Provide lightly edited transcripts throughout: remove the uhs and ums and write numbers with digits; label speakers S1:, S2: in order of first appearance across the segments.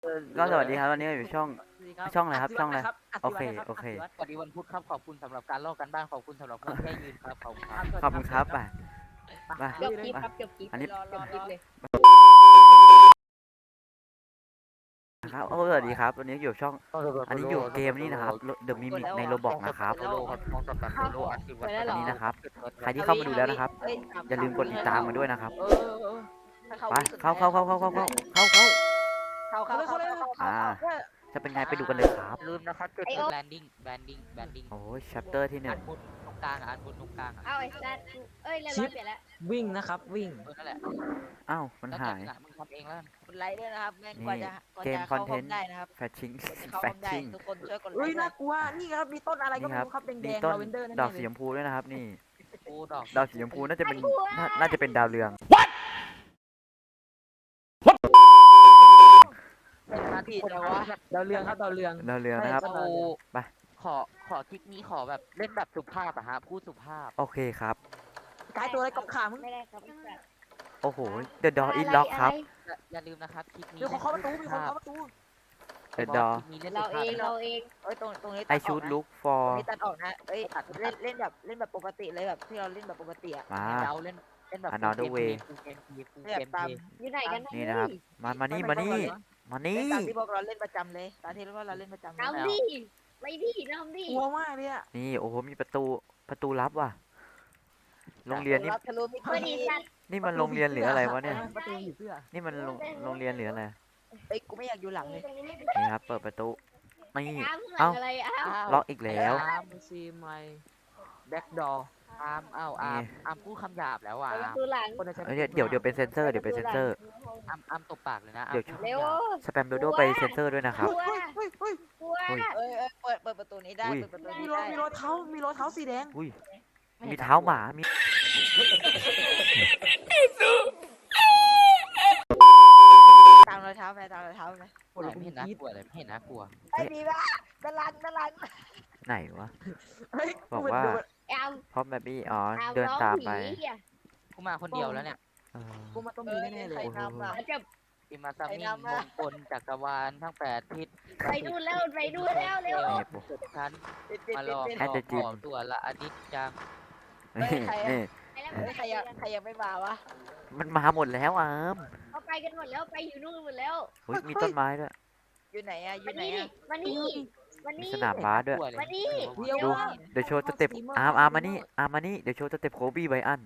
S1: ก็สวัสดีครับวันนี้อยู่ช่องอะไรครับช่องอะไรโอเคโอเค
S2: สวัสดีวันพุธครับขอบคุณสำหรับการลอกกันบ้านขอบคุณสำหรับคนที่ให้ยืนครับขอบคุณครับ
S1: ขอบคุณครับไปไป
S3: จบคลิปครับจบคลิป
S1: อันนี้
S3: จบคลิปเลย
S1: นะครับโอ้สวัสดีครับวันนี้อยู่ช่องอันนี้อยู่เกมนี้นะครับเดอะมิมิกในโรบอกนะครับ
S2: โลครับมองสับกันโลอัดสิบวัน
S1: อันนี้นะครับใครที่เข้ามาดูแล้วนะครับอย่าลืมกดติดตามมาด้วยนะครับไปเข้าจะเป็นไงไปดูกันเลยครับ
S2: ลืมนะครับจุดแบนดิ้ง
S1: โอ้ยชัปเตอร์ที่หนึ่
S2: อั
S1: ง
S2: นบนตรงกลางอันบนตรงกลาง
S3: เอาไอ้สัตว์เอ้ยเรียบร้อยเปลี่ยนแล้ว
S4: วิ่งนะครับวิ่ง
S2: นั่นแหละ
S1: อ้าวมันหาย
S2: มึงทำเองแล้ว
S5: กดไลค์ด้วยนะครับแม่ง
S1: นี่
S5: กว่าจะ
S1: เกม
S5: เข้า
S1: คอนเท
S5: ห้อน ง
S1: ต์
S5: ได้นะครับ
S1: แฟชชิ่ง
S5: กว่าจะเข้า
S1: แฟ
S5: ห้
S1: ช
S5: องได้
S1: ชิ่ง
S5: ทุกคนช่วยกดไล
S4: เฮ้ย
S5: ค์ด้ว
S4: น่าย กลัวนี่ครับมีต้นอะไรก็
S1: นี่
S4: ไม่
S1: ครับ
S4: รู้ครับแด
S1: นี่
S4: งๆ
S1: ต้น
S4: ลาเวนเดอร์นั่น
S1: ดอก
S4: เอ
S1: สี
S4: ง
S1: ชมพูด้วยนะครับนี่
S2: กูดอก
S1: ดอกสีชมพูน่าจะเป็นน่าจะเป็นดาวเรือง
S5: ผิดแล้ววะ
S4: ดาวเรืองครับดาวเรือง
S1: ดาวเรืองนะครับ
S2: กู
S1: ไป
S2: ขอคลิปนี้ขอแบบเล่นแบบสุภาพอะฮะพูดสุภาพ
S1: โอเคครับ
S4: กายตัวอะไรกับขามึง
S3: ไม่ได้ครับไอ้สัตว์
S1: โอ้โห The Door is Locked ครับ
S2: อย่าลืมนะครับคลิปนี้
S4: มีคนเคาะประตูมีคนเคาะประตู
S1: The Door
S3: เราเองเราเอง
S5: เอ้ยตรงนี้
S1: I
S5: ตัดออก
S1: should
S5: นะ
S1: look
S5: ตร
S1: for
S5: งนี้ตัดออกนะเอ้ยเล่นแบบปกติเลยแบบที่เราเล่นแบบปกติอะ
S1: มา
S2: เราเล่นแบบ
S1: Another way
S2: เกมพี
S5: แบบตาม
S3: อยู่ไหนกัน
S1: นี่นะครับ มานี่ มานี่ มานี่
S5: เล่นตามที่พวกเราเล่นประจำเลยตามที่เราเล่นประจำเลย
S3: น้ำดิไม่ดิน้ำดิ
S4: กลัวมากเลยอะ
S1: นี่ โอ้โห มีประตูลับว่ะ โรงเรียนนี่
S5: ทะลุมิ
S3: เพื่อดี
S5: ติ
S3: สัตว์
S1: นี่มันโรงเรียนหรืออะไรวะเนี่ย
S4: ประตูอยู่เสื้อ
S1: นี่มันโรงเรียนหรืออะไร
S5: เอ้ยกูไม่อยากอยู่หลังเลย
S1: นี่ครับ เปิดประตู นี่
S3: น้ำข้างหลังอะไรอ้าว
S1: ล็อกอีกแล้ว
S4: อาร์มซีไมแบ็กดอร์
S2: อาร์มอาร์มพูดคำหยาบแล้วอ่ะ
S3: ประตูหลัง
S4: คนจะใช้
S1: เดี๋ยวเป็นเซนเซอร์ เดี๋ยวเป็นเซนเซอร์
S2: อาร์มตบปากเลยนะ
S1: เดี๋ยว
S3: เร็ว
S1: สแปมโดโดไปเซนเซอร์ด้วยนะครับ
S3: กลัว
S4: เฮ้ยเฮ้ย
S3: กลัว
S1: อุ้ย
S5: เอ้ยเปิดประตูนี้ได้
S1: อุ้ย
S5: เปิดประตู
S4: มี
S5: นี้
S4: ร
S5: ได้
S4: อยมีรอยเท้ามีรอยเท้าสีแดง
S1: อุ้ย มีเท้าหมา มี
S5: ตามรอยเท้าไปตามรอยเท้าไป
S2: ไม่เห็นน่ากลัวเลยไม่เห็นน่ากลัว
S5: ไอ้ดีป่ะด้านหลัง
S1: ไหนวะ
S4: เฮ้ย
S1: บอกว่า
S3: แอม
S1: พร้อมแบบบี้อ๋อ
S3: แอม
S1: เดิน
S3: ร้อง
S1: ตาม
S3: ผี
S1: ไป
S3: อ่ะ
S2: กูมาคนเดียวแล้วเนี่ย
S1: เออ
S4: กูมาต้องมีแน่ๆเลย
S5: ใครนำอ่ะ
S3: มันจะ
S2: อิมาซามิมงคลจักรวาลทั้ง8ทิศ
S3: ไปดูแล้วไปดูแล้วเร็ว
S2: สุดชั้น
S5: ปิด
S2: มาลอง
S1: แอดเดอะจิม
S2: ของตัวละอนิจจัง
S1: นี่นี่
S3: ไปแล้ว
S5: ใครยังไม่มาวะ
S1: มันมาหมดแล้วอาม
S3: เขาไปกันหมดแล้วไปอยู่นู่นหมดแล้ว
S1: อุ๊ยมีต้นไม้ด้วย
S5: อยู่ไหนอะอ
S3: มา
S5: ยู่ไหน
S3: นี่
S5: อะ
S3: มานี่มา
S1: มี
S3: นี่
S1: สนามบาสด้วย
S3: มานี่
S4: เดี๋ยว
S1: ดู
S4: ว่า
S1: เดี๋ยวโชว์สเต็ปอาร์มมานี่อาร์มมานี่เดี๋ยวโชว์สเต็ปโคบี้ไบอัน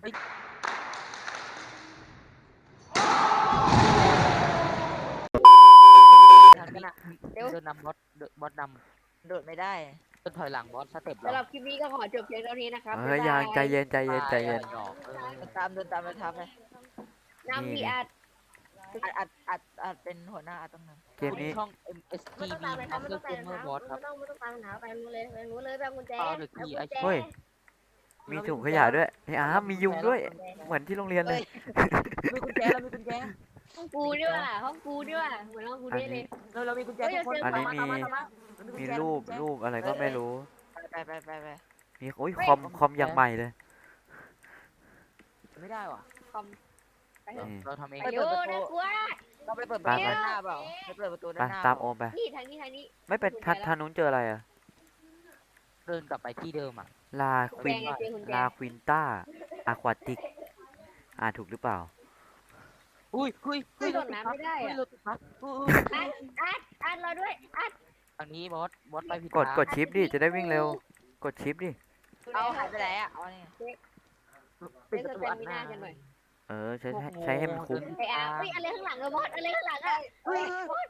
S2: เดินนำบอสน
S5: โดดไม่ได้
S2: ำต้นถอยหลังบอสสเต็ป
S3: สำหรับคลิปนี้ก็ขอจบเพียงเท่านี้นะครับ
S1: เฮ้ยยังใจเย็นใจเย็นใจเย็น
S2: หยอก
S5: เดินตามรอยเท้าไป
S3: น้ำพีอาร์
S5: อัดเป็นหัวหน้าอัดตรงนั้น
S1: เกมนี้
S2: ช่อง
S3: ไม่
S2: MSTV
S3: ต้องตามไปครับไม่
S2: เพื่
S3: ต้
S2: อ
S3: อง
S2: เก
S3: ตาม
S2: มเมอร์บอสครับ
S3: ไม่ต้องตามหาไปนู้นเลยไปนู้นเลยไปกุญแจ
S1: เฮ้ย มีถุงขยะด้วยไอ้อาร์มมียุงด้วย เหมือนที่โรงเรียนเลย
S4: มีกุญแจเรามีกุญแจ
S3: ห้องกูด้วยว่ะห้องกูด้วยว่ะเหมือนห้องกู
S1: อัน
S3: ได้เลย
S1: นี้
S4: เรามีกุญแจทุกคน
S1: อันนี้มีรูปอะไรก็ไม่รู้
S5: ไป
S1: มีโอ้ยคอมอย่างใหม่เลย
S4: ไม่ได้ว่ะ
S3: คอมไปเถอะ
S1: นี่
S2: เราทำเอง
S3: ไปโยน่ากลัว
S5: เราไปเปิดประตูด้านหน้าเปล่าไปเปิดประตู
S1: ไป
S5: ด้านหน้า
S1: ตามโอมไป
S3: นี่ทางนี้ทางนี้
S1: ไม่เป็นทางนู้นเจออะไรอะ
S2: เดินกลับไปที่เดิมอ่ะ
S1: ลาควิน
S3: แจงไงเจอกุญแจ
S1: ลาควินต้าอะควาติกถูกหรือเปล่า
S2: อุ้ย
S3: โดดน้ำไม่ได้อะ อัดเราด้วยอัด
S2: ทางนี้บอสไปผิด
S1: กดชิปดิจะได้วิ่งเร็ว กดชิปดิ
S5: เอาหายไปไหนอะเอาเนี่ย
S4: ปิด
S3: เล่น
S4: ประ
S3: ส
S4: ตู
S3: เต
S4: อัด
S3: มิ
S4: หน้า
S3: น่ากันหน่อย
S1: เออใช้ให้มันคุ้ม
S3: ไอ้อาเฮ้ยอะไรข้างหลังอะบอสอะไรข้างหลังอะ
S4: เฮ้ย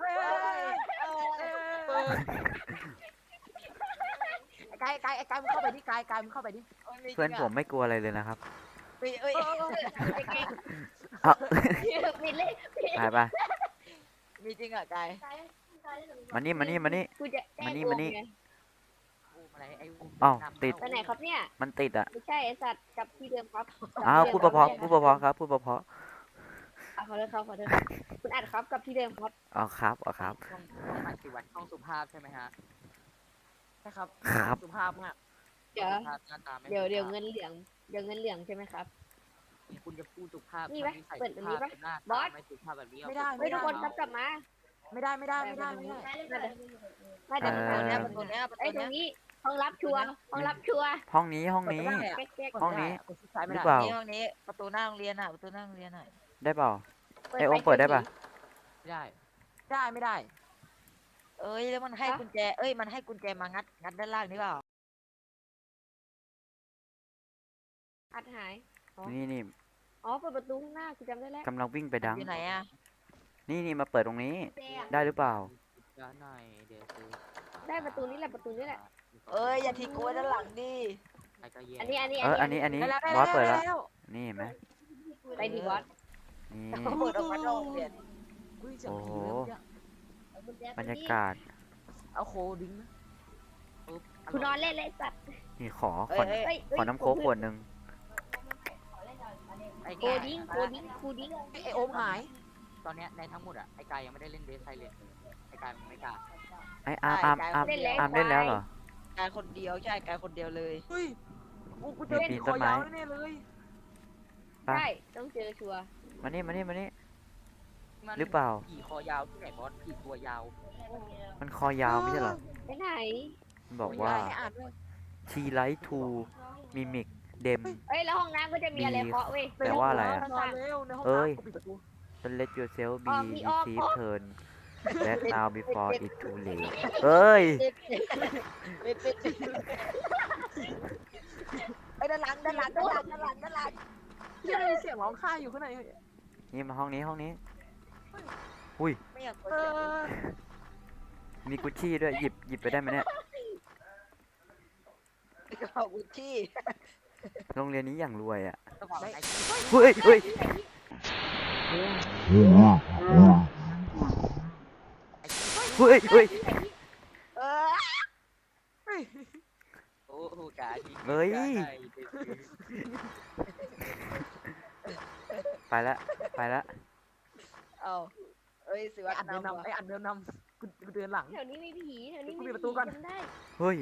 S4: กายมึงเข้าไปดิกายมึงเข้าไปดิ
S1: เพื่อนผมไม่กลัวอะไรเลยนะครับ
S5: เอ้ย
S1: อ่ะ
S3: ปิดเลย
S1: ไป
S5: มีจริงอะกาย
S1: มานี่
S3: กูจะแจ้ง
S1: มานี่
S3: ไง
S2: อะไรไอ้
S1: อ้าวติด
S3: ไปไหนครับเนี่ย
S1: มันติดอ่ะ
S3: ไม่ใช่ไอสัตว์กับที่เดิมครับ
S1: อ้าวพูดเพราะๆครับพูดเพราะ
S3: ขอโทษครับคุณอัดครับกับที่เดิมครับ
S1: ๆอ๋อครับ
S2: ช่องหมายถึงวันช่องสุภาพใช่ไหมฮะ
S4: ใช่ครับ
S1: ครับ
S4: สุภาพมาก
S3: เดี๋ยว
S2: หน้าตาไม่
S3: เดี๋ยวเงินเหลืองใช่ไหมครับ
S2: คุณจะพูดสุภาพ
S3: นี่ไหมเปิดอันนี้ปะ
S2: หน้า
S3: บอส
S2: ไม่สุภาพแบบนี้
S4: ไม่ได้
S3: เฮ้ยทุกคนครับกลับมา
S4: ไม่ได้ไม่ได้ไม่ได้ไม่ได้
S3: ไม่ได้
S5: ประตูเนี้ยประตูเนี้ยประ
S3: ไอ้
S5: ตู
S3: ตร
S5: เนี้ย
S3: งนี้ห้องรับชัวร์ห้องรับชัวร์
S1: ห้องนี้ห้องนี้
S3: แก๊ก
S1: ห้องนี้
S4: กดชิดซ้าย
S1: ห
S4: ไม่
S1: รือ
S4: ได้
S1: เปล่า
S5: นี่ห้องนี้ประตูหน้าโรงเรียนอ่ะประตูหน้าโรงเรียนอ่ะ
S1: ได้เปล่า
S3: ๆ
S1: ไอโอมเปิดได้ปะ
S2: ไม่ได้
S4: ได้ไม่ได้
S5: เอ้ยแล้วมันให้กุญแจเอ้ยมันให้กุญแจมางัดด้านล่างนี่เปล่า
S3: อัดหาย
S1: นี่
S3: อ๋อเปิดประตูข้างหน้ากูจำได้แล้ว
S1: กำลังวิ่งไปดัง
S5: อยู่ไหนอ่ะ
S1: นี่มาเปิดตรงนี้
S3: แจอะ
S1: ได้หรือเปล่า
S2: จะหน่อยเดี๋ยวซื้อ
S3: ได้ประตูนี้แหละประตูนี้แหละ
S5: เอ้ยอย่าทิ้งกูไว้ด้านหลังดิ
S2: ใครก็แย่
S3: อันนี้
S1: อันนี้
S4: ได้แล้วได้
S1: บอสเปิด
S4: แล้
S1: แล้ว
S4: ว
S1: นี่เห็นไหม
S3: ไปดีบอส
S1: นี่
S5: เปิดออกมาโรงเรียน
S4: อุ้ยเสียง
S1: โอ้โห
S4: ผีเลยเมื่อกี้
S1: บรรยากาศ
S4: เอาโคดิ้งนะ
S2: ปุ๊บ
S3: กูนอนเล่นเลยสัตว์
S1: นี่ขอ
S5: เอ้ย
S3: เฮ้ย
S1: ขอน้ำโค้กขวดหนึ่ง
S2: ไอ้
S3: โค
S2: แก่
S3: ดิ้งโคดิ้งโคดิ้ง
S4: ไอโอมหาย
S2: ตอนเนี้ยในทั้งหมดอ่ะไอ้กายยังไม่ได้เล่นเดสไซเลนไอ้กายมันไม่กล้า
S1: ไออาร์มเล่นแล้วเหรอ
S5: กายคนเดียวใช่กายคนเดียวเลย
S4: เฮ้ยกูเจอ
S1: ปี
S4: ผี
S1: น
S4: ค
S1: ต้
S4: อน
S1: ไม้
S4: ยาวแน่ๆเลย
S1: ไป
S3: ใช่ต้องเจอชัวร์
S1: มานี่
S2: มัน
S1: หรือเปล่า
S2: ผีคอยาวที่ไหนบอสผีตัวยาว
S1: มันคอยาวไม่ใช่เหรอ
S3: ไปไหน
S1: มันบอกว่า
S4: ให้อ่านด้วย
S1: ทีไลท์ทูมิมิกเดม
S3: เอ้ยแล้วห้องน้ำก็จะมีอะไรเคาะเว้ย
S1: แปลว่าอะไรอะ
S4: นอนเร็วในห้อง
S1: เอ้ย
S4: น้ำกูปิดประตู
S1: Don't let yourself
S3: อ้
S1: be
S3: อมมีอ้อม
S1: receive turn that now before it too late เอ้ย
S5: ไอ้ด้านหลังด้านหลังด้านหลังด้านหลังด้านหลัง
S4: ที่ได้ยินเสียงร้องไห้อยู่ข้างใน
S1: นี่มาห้องนี้
S5: ไม่อยาก
S4: เออ
S1: มีกุชชี่ด้วย หยิบไปได้ไหมเนี่ย
S5: กระเป๋ากุชชี่
S1: โรงเรียนนี้อย่างรวยอ่ะ
S2: ต้องบอกไอ้
S1: เฮ้ย เฮ้ย
S5: เออ
S2: โอ้โหกาที่
S1: เฮ้ย ไปละ
S5: เอาเอ้ยสิ
S4: ไอ
S5: วัฒ
S4: อันเดิน
S5: นำ
S4: นำไออันเดินนำกูเดินหลัง
S3: แถวนี้มีผีแถวนี้
S4: กู
S3: มี
S4: ปิดประตูก่อน
S3: จำได้
S1: เฮ้ย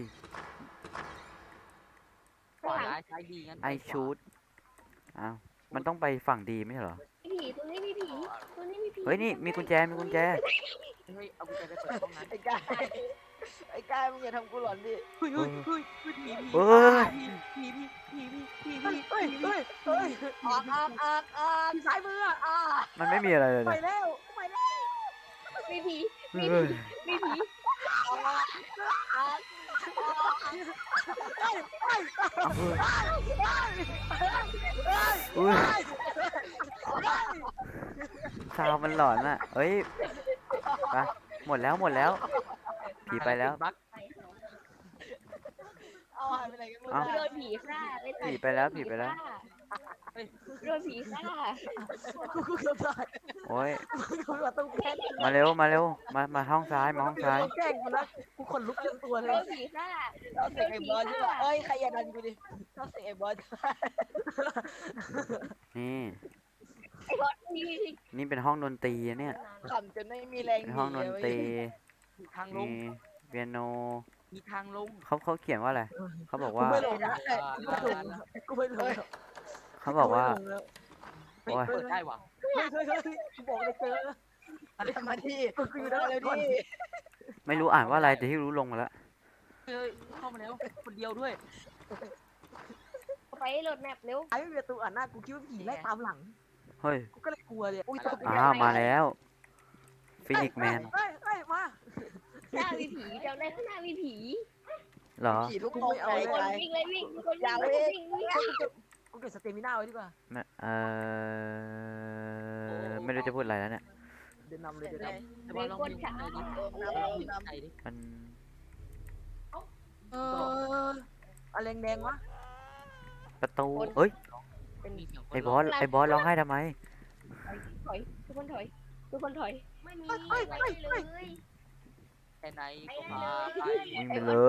S2: ขวาร้ายซ้ายดีงั้น
S1: ไอชูดอ้าว มันต้องไปฝั่งดีไม่ใช่เหรอ
S3: มีผีตรงนี้มีผีตรงนี้มีผี
S1: เฮ้ย นี่ มีกุญแจ
S2: เฮ้ยเอากุญแจไปเปิดห้องนั้น
S5: ไอ้กายไอ้กายมึงอย่าทำกูหลอนดิ
S4: เฮ้ยเฮ้ยเฮ้ยเฮ้ยผีผี
S1: เฮ้ย
S4: ผีผีผีผีผีผีเฮ้ยเฮ้ยเฮ้ย
S5: ออกออกออกออก
S4: ผีซ้ายมืออ่ะ
S1: มันไม่มีอะไรเลย
S4: ไป
S1: นะ
S4: แล้วไปแล้ว
S3: มีผี
S1: เฮ้ย
S3: มีผี
S5: ออกออก
S1: อุ้ยซาวมันหลอนอ่ะเฮ้ย ไป หมดแล้ว ผีไปแล้ว
S2: บัก
S5: เอาหายไปไหนกันหมด
S1: เอ้า
S3: โดนผีฆ่าไอ้สัตว์
S1: ผีไปแล้วผีไปแล้ว
S3: โดนผีฆ่า
S4: กูเกือบตาย
S1: โอ้ย
S4: กูแบบต้องแกล้ง
S1: มาเร็ว มาห้องซ้าย มาห้องซ้าย
S4: แกล้งกูแล้วกูขนลุกเต็มตัวเล
S3: โด
S4: ย
S3: นผีฆ่า
S5: เราเสียงไอ้บอลใช่ปะเอ้ยใครอย่าดันกูดิเราเสียงไอ้บอล
S1: นี่
S3: ไอ้บอสมี
S1: นี่เป็นห้องดนตรีอะเนี่ย
S5: ขำจนไม่มีแรง
S1: เป็นห้องดนตรี
S2: มีทางล
S1: มี
S2: ง
S1: เปียโน
S2: มีทางลง
S1: เขาเขียนว่าอะไร เขาบอก
S4: กู
S1: ว่า
S4: ไม่ลงนะกูไม่ลง
S1: เขาบอกว่า
S2: เฮ้ย
S1: โอ้ย
S2: เปิดได้ว่ะ
S4: เฮ้ยกูบอกเลยเจอ
S5: อะไรมาที่
S4: กูอยู่ด้าน
S5: เร็ว
S4: ก่อน
S5: ดิ
S1: ไม่รู้อ่านว่าอะไรแต่ที่รู้ลงมาแล้ว
S2: เฮ้ยเข้ามาแล้วคนเดียวด้วย
S3: ไปโหลดแมปเร็ว
S4: ไอ้ไม่มีประตูอ่านหน้ากูคิดว่าผีไล่ตามหลัง
S1: เฮ้ย
S4: กูก็เลยกลัวเลยอุ้ยตก
S1: อ้าว มาแล้วฟินิกแมน
S4: เฮ้ยมา
S3: หน้ามีผีจำได้ข้างหน้ามีผี
S1: เหรอ
S5: ผีทุกตรงไกล
S3: ค
S5: ไก
S3: น
S5: ล
S3: วิ่งเลยวิ่งคน
S5: อย่า
S3: วิ่ง
S5: วิ่ง
S3: วิ่ง
S4: กูเก็บสเตมิน่าไว้ดีกว่า
S1: ไม่รู้จะพูดอะไรแล้วเนี่ย
S4: เดินนำเลยเดินน
S2: แต่ว่าลองวิ่งไปดิลองวิ่งไปดิ
S1: มัน
S4: ำอะไรแดงวะ
S1: ประตูเอ้ย
S2: มีเสียงคน
S1: ไอ้บอสร้องไห้ทำไม
S3: ถอยทุกคนถอยทุกคนถอยไม่มี
S4: เฮ้ย
S2: แค่ไหนก็มาไป
S1: วิ่งไปเลย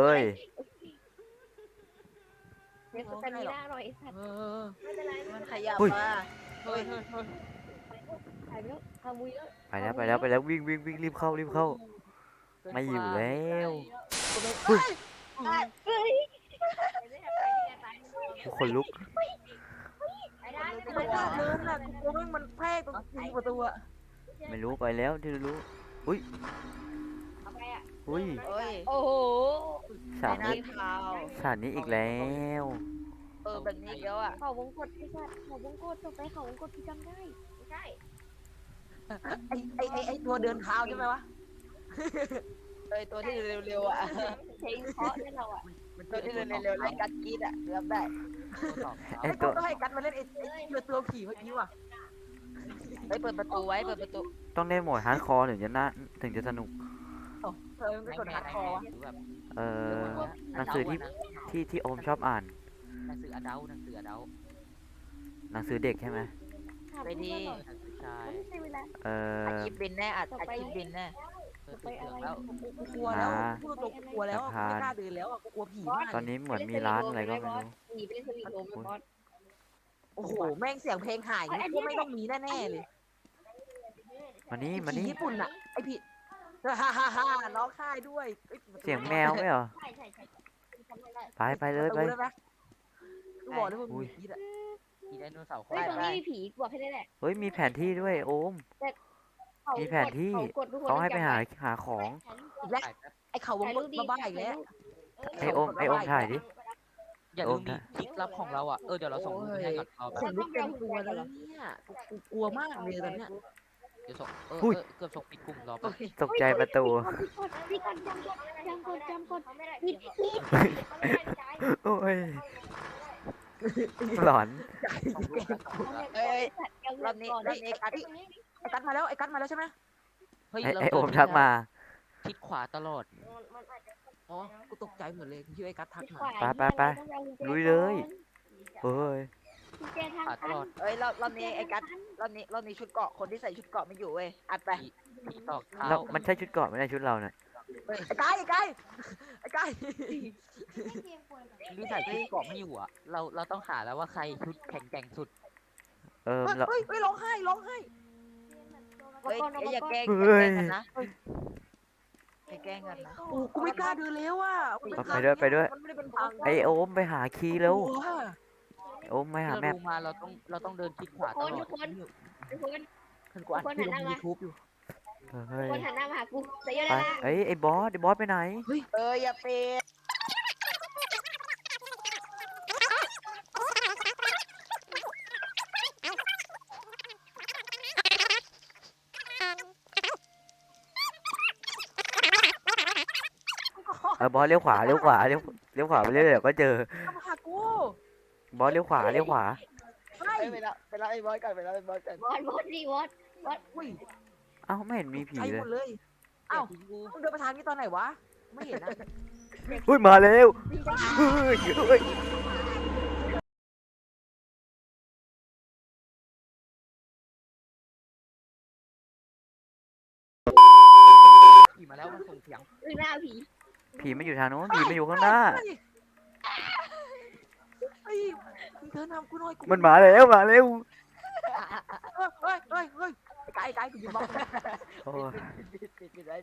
S3: เดี๋ยวสแตมิน่าหน่อยสัตว์ไม่เป็นไร
S5: มันขยับมา
S2: เฮ้ยเฮ้ยเฮ้ย
S3: ถ่ายไปแล้วทำมุยแล้ว
S1: ไปแล้ววิ่งรีบเข้าไม่อยู่แล้ว
S3: เฮ้ย
S1: ทุกคนลุก
S3: ไปได้
S4: กูไม่กล้าเดินอ่ะกูกลัวแม่งมันแพร่ตรงประตูอ่ะ
S1: ไม่รู้ไปแล้วที่รู้
S3: เอาไปอ่ะ
S1: อุ้ย
S5: เอ้ย
S3: โอ้โห
S1: ฉาก
S5: ในหน้า
S1: นี้
S5: เท้า
S1: ฉากนี้อีกแล้ว
S5: แบบนี้แล้วอ่ะ
S3: เขาวงกดไอ้สัตว์เขาวงกดต่อไปเขาวงกดพี่จำได้ไม่ใช่
S4: ไอตัวเดินเท้าใช่ไหมวะ
S5: ตัวที่เร็วๆอ่ะ
S3: เพลงเพราะเนี่ยเราอ่ะ
S5: ตัวที่เร็วๆเล่นกัดกีดอ่ะเริ่มได้
S1: ไอ้
S4: ไอ
S1: ตั
S4: ตัว วต้องให้กันมาเล่นไอตัวผีเมื่อกี้ว่ะ
S5: เปิดประตูไว้เปิดประตู
S1: ต้องเล่นโหมดฮาร์ดคอร์ถึงจะสนุก
S4: มันกดฮาร์ดคอร์วะ
S1: เออหนังสือที่โอมชอบอ่าน
S2: หนังสืออดัลหนังสืออดัล
S1: หนังสือเด็กใช่ไหม
S5: ไปดี
S2: หนังสือชาย
S3: ไม่ใช่เวลา
S1: เอ
S5: อัด
S1: อ
S5: คลิปบินแน่อัดคลิปบินแน่
S2: ปิดเทอมแล้ว
S4: กูกลัวแล้วพูดตรงกูกลัวแล้วกูไม่กล้าเดินแล้วอ่ะกูกลัวผีมาก
S1: ตอนนี้เหมือนมีร้านอะไรก็ไม่รู้
S3: หนีไปเล่นสวีทโฮมบอส
S4: โอ้โหแม่งเสียงเพลงหายกูไม่ต้องมีแน่ๆเลย
S1: มานี่
S4: ผี
S1: มานี่
S4: ญี่ปุ่นอ่ะไอผีฮ่าฮ่าฮ่าร้องไห้ด้วย
S1: เสียงแมวไหมเหรอ
S3: ใช่จำไม่ได้
S1: ไปเลยไป
S4: ได้ไหมกูบอกเลยว่ามีผีอ่ะ
S2: มีไดโนเสาร์
S3: เฮ้ยตรงนี้มีผีบอกให้ได้แหละ
S1: เฮ้ยมีแผนที่ด้วยโอม มีแผนที่ เขาให้ไปหาของ
S4: อีกแล้วไอเขาวงกดบ้าๆอีกแล้ว
S1: ไอโอมถ่ายดิ
S2: อย่าลืมดิคลิปลับของเราอ่ะเดี๋ยวเราส่งรูปไปให้ก่อนเรา
S4: ขนลุกเต็มตัวแล้วเนี่ยกูกลัวมากเลยตอนเนี้ย
S2: เดี๋ยวส่งเกือบส่งปิดกลุ่มรอไป
S1: ตกใจประตู
S3: พี่ก่อนจำกดผิด
S1: โอ้ย หลอน
S2: ส่งรูปกันส่งรูปกัน
S5: เอ้ยรอบนี้กัด
S4: ไอกัดมาแล้วไอกัดมาแล้วใช่ไหม
S2: เฮ้ย
S1: ไอโอมทักมา
S2: ทิศขวาตลอด
S4: อ๋อกูตกใจหมดเลยชื่อไอกัดทักมา
S1: ลุยเลยเฮ้ย
S2: ขวาตลอด
S5: เอ้ยรอบนี้ไอ้กัดรอบนี้ชุดเกาะคนที่ใส่ชุดเกาะไม่อยู่เว้ยอัดไป
S2: ผีตอกเท้า
S1: แล้วมันใช่ชุดเกราะไม่ใช่ชุดเราเนี่ย
S4: ไอ้ไก่ไอ้ไก่
S2: ที่ใส่ชุดเกราะไม่อยู่อ่ะเราต้องหาแล้วว่าใครชุดแข็งแกร่งสุด
S1: เรา
S4: เฮ้ยร้องไห้
S5: เฮ้ยอย่าแกล้งกันนะอย่าแกล้งกันนะ
S4: โอ้กูไม่กล้าเดินแล้วอ่ะมันไม่ได้เป็นทาง
S1: ไอโอมไปหาคีย์แล้ว
S4: กลัว
S1: โอมไปหา
S2: ที่
S1: แม
S2: เรา
S1: ป
S2: ดูมาเราต้องเดินทิศขวาตลอด
S3: ทุกคน
S4: กูอ่านที่ลงยูทูบอยู่
S1: เฮ้ย
S3: คนหันหน้ามาหากูใส่เยอะ
S1: ไป
S3: เลยนะ
S1: เอ้ยไอบอสไปไหน
S5: อย่าเปย์
S1: บอสเลี้ยวขวาเลี้ยวขวาไปเรื่อยๆเดี๋ยวก็เจอ
S4: มาหากู
S1: บอสเลี้ยวขวา
S4: เฮ้ย
S5: ไปแล้วไอ้บอสก่อนไปแล้วไอ้บอสก่อน
S3: บอสดิบอส
S4: อุ้ย
S1: เอ้าไม่เห็นมีผี
S4: ใจ
S1: เล
S4: ห
S1: ย
S4: มดเลยอ้าวมึงเดินไปทางนี้ตอนไหนวะไม่เห็นนะ
S1: อุ้ยมาแล้วเฮ้ย
S2: ขี่มาแล้วมันส่งเสียง
S3: หน้าผี
S1: ผีไม่อยู่ทางโน้นผีไม่อยู่ข้างหน้า
S4: เฮ้ยมึงเดินนำกูหน่อยกู
S1: มันมาแล้ว
S4: เฮ้ยไก่กูยืนมอง
S1: โอ้ย
S5: ปิดได้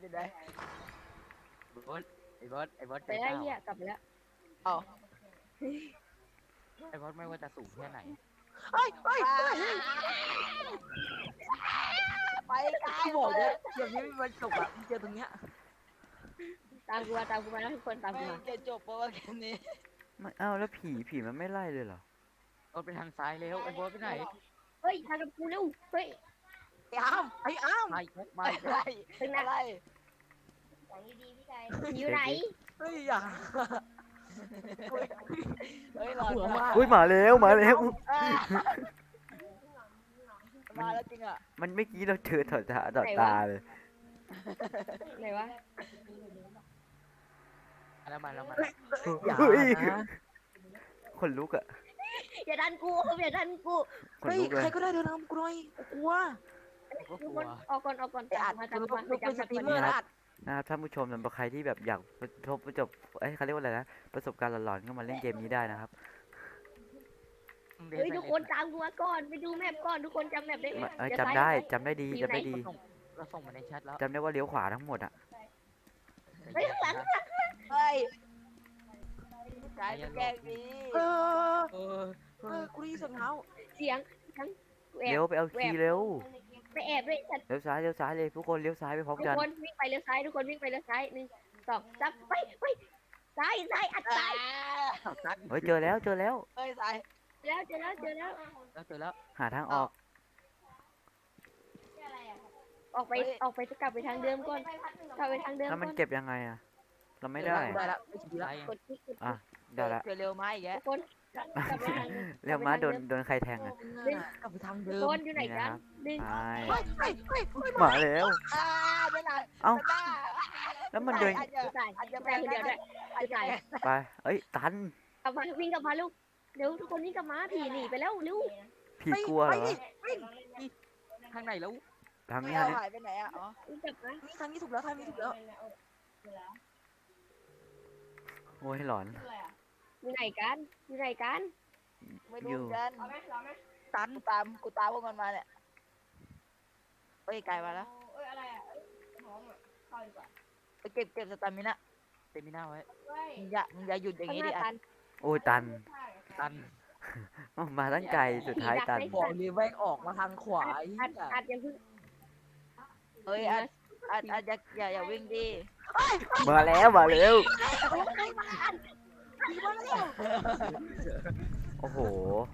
S2: ไอ้บอสใจ
S3: ไปได้
S2: เต้า
S3: เหี้ยกลับไปแล้ว
S2: ไอ้บอสไม่ว่าจะสูงแค่ไหน
S4: เฮ้ย
S5: ไปไกล
S4: กูบอกเลยเดี๋ยวนี้มันจบอ่ะมึงเจอตรงเนี้ย
S3: ตามกูมาแล้วทุกคนตามกูมา
S5: จะจบเพราะว่าแค่นี้
S1: ไม่เอ้าแล้วผีมันไม่ไล่เลยเหรอ
S2: บอสไปทางซ้ายแล้วไอ้บอสไปไหน
S3: เฮ้ยทางกับกูเร็วเฮ้ย
S4: ไอ้อ้าม
S2: มาอีกแล้วมาอีก
S5: อะไร
S2: แล้ว
S5: อะไร
S3: อยู่ไหน
S4: เฮ้ยอย่า
S5: เฮ้ยรอ
S4: หัวว่า
S1: อุ้ยมาแล้ว
S5: มาแล้วจริงอ่ะ
S1: มันเมื่อกี้เราเจอต่อตาเลย
S3: ไหนวะ
S2: แล้วมา
S4: อย่า
S1: เฮ้ย
S4: นะ
S1: คนลุกอะ
S3: อย่าดันกูอย่าดันกู
S1: คน
S4: เฮ้ย
S1: ลุกเล
S4: ใคร
S1: ย
S4: ก็ได้เดินนำกูหน่อยกูกลัว
S2: ก็
S3: ทุ
S2: ก
S3: ก
S2: ลั
S3: ค
S2: วน
S3: ออกก่อน
S4: ไอ้อัด
S3: มา
S4: กู
S3: ตามมา
S4: เป็นสตรีมเมอร์นะอัด
S1: นะครับท่านผู้ชมสำหรับใครที่แบบอยากประสบเขาเรียกว่าอะไรนะประสบการณ์หลอนๆก็มาเล่นเกมนี้ได้นะครับ
S3: เฮ้ยทุกคนตามกูมาก่อนไปดูแมปก่อนทุกคนจำแมปได้ไหม
S1: จำได้ดี
S2: เราส่งมาในแชทแล้ว
S1: จำได้ว่าเลี้ยวขวาทั้งหมดอะ
S3: เฮ้ยข้างหลัง
S5: เฮ้ยกายแกล้งดี
S4: เออ
S2: เออ
S4: กูได้ยินเสียงเท้า
S3: เสียง
S1: เลี้ยวไปเอาคีย์เร็ว
S3: ไปแอบด้วยสัตว์
S1: เลี้ยวซ้ายเลยทุกคนเลี้ยวซ้ายไปพร้อม
S3: ทุก
S1: กัน
S3: คนวิ่งไปเลี้ยวซ้ายทุกคนวิ่งไปเลี้ยวซ้าย1 2 3ไปซ้ายอัดซ้าย
S2: ตัด
S1: เฮ้ยเจอแล้ว
S4: เอ้ยสาย
S3: เจอแล้ว
S2: เจอแล้ว
S1: หาทางออก
S3: ออกไปจะกลับไปทางเดิมก่อนกลับไปทางเดิม
S1: แล้ว
S3: ก่
S1: มัน
S3: อน
S1: เก็บยังไงอะเราไม่ได้
S4: ได้แล้วไม่ดี
S2: ไป
S4: แล้ว
S3: กดคลิก
S1: อ่ะได้ละ
S4: เจอเร็วไหมอีก
S3: ทุ
S4: แก
S3: กคนกลับไปทางเดิม
S1: เรียวม้าโดนใครแทงอะ
S4: กลับไปทางเดิ
S3: ทุก
S4: ม
S3: คนอยู่ไหนกันดึง
S1: ไป
S4: เฮ้ย
S1: มาแล้ว
S4: ไม่ได้
S1: เอ้าแล้วมันเดิน
S3: ตายตายคนเดียวด้วยตาย
S1: ไปเอ้ยตัน
S3: กลับมาวิ่งกลับมาลูกเร็วทุกคนวิ่งกลับมาผีหนีไปแล้วเร็ว
S1: ผีกลัวเหรอวะ
S2: ทางไหนแล้ว
S1: ทาง
S4: ไม่
S1: นี้
S4: เอา
S1: ทางนี้
S4: หายไปไหนอ่ะอ๋อ
S3: วิ่งกลับมา
S4: นี่ทางนี้ถูกแล้วทางนี้ถูกแล้ว
S1: โอ้ยหลอน
S3: อยู่ไหนกัน
S4: ไม่รู้กันตันกูตามพวกมันมาเนี่ยเอ้ยไกลมาแล้วไปเก็บสตามินะ
S2: เตมิน่าไว้
S4: มึงอย่าหยุดอย่าง
S3: ข้าง
S4: งี้
S3: ห
S4: ดิ
S3: น้า
S4: อ่ะ
S3: ตัน
S1: โอ้ยตัน
S2: ตัน
S1: อ้าวมาตั้งไกลสุดท้ายตัน
S4: บอกเลยแม่งออกมาทางขวาไอ้
S3: อัดยังเพิ่ง
S4: เฮ้ยอย่าวิ่งดิ
S1: มาแล้ว โอ้โห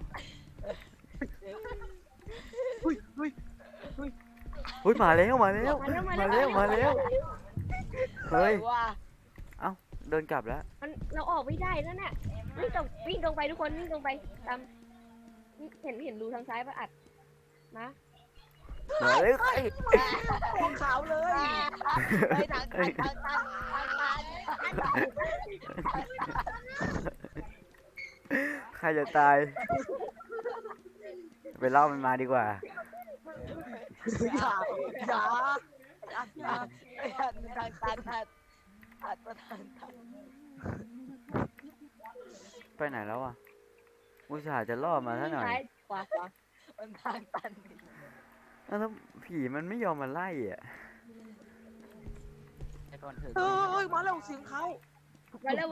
S1: อุ้ยมาแล้ว เฮ้ย
S4: ว่า
S1: เดินกลับแล้ว
S3: มันเราออกไม่ได้แล้วน่ะวิ่งตรงไปทุกคนวิ่งตรงไปตามเห็นรูทางซ้ายป่ะอัดนะ
S1: มาเลย
S4: ของขาวเลยไปทาง
S1: ใครจะตาย ไปเล่ามันมาดีกว่า
S4: อย่าทางตันอัดประธาน
S1: ไปไหนแล้วอ่ะอุตส่าห์จะล่อมาซะหน่อย
S3: ซ้ายขวา
S4: มันทางตัน
S1: แล้วผีมันไม่ยอมมาไล่อ่ะ
S2: ไอ้ก่อนเถอะ
S4: เฮ้ยมาแล้วเสียงเขา
S3: มาแล้ว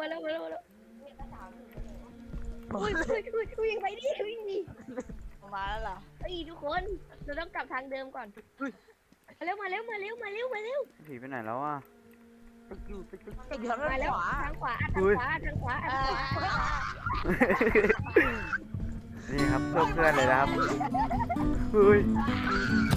S3: วิ่งไปดิวิ่งดิ
S4: มาแล้วล่ะ
S3: เฮ้ยทุกคนเราต้องกลับทางเดิมก่อนมาเร็ว
S1: ผีไปไหนแล้วอ่ะ
S2: อยู่
S4: ติดอยู่ทาง
S3: มาแล้ว
S4: ขวา
S3: ทางขวาอัดทางขวา
S1: นี่ครับเพื่อนเลยนะครับเฮ้ย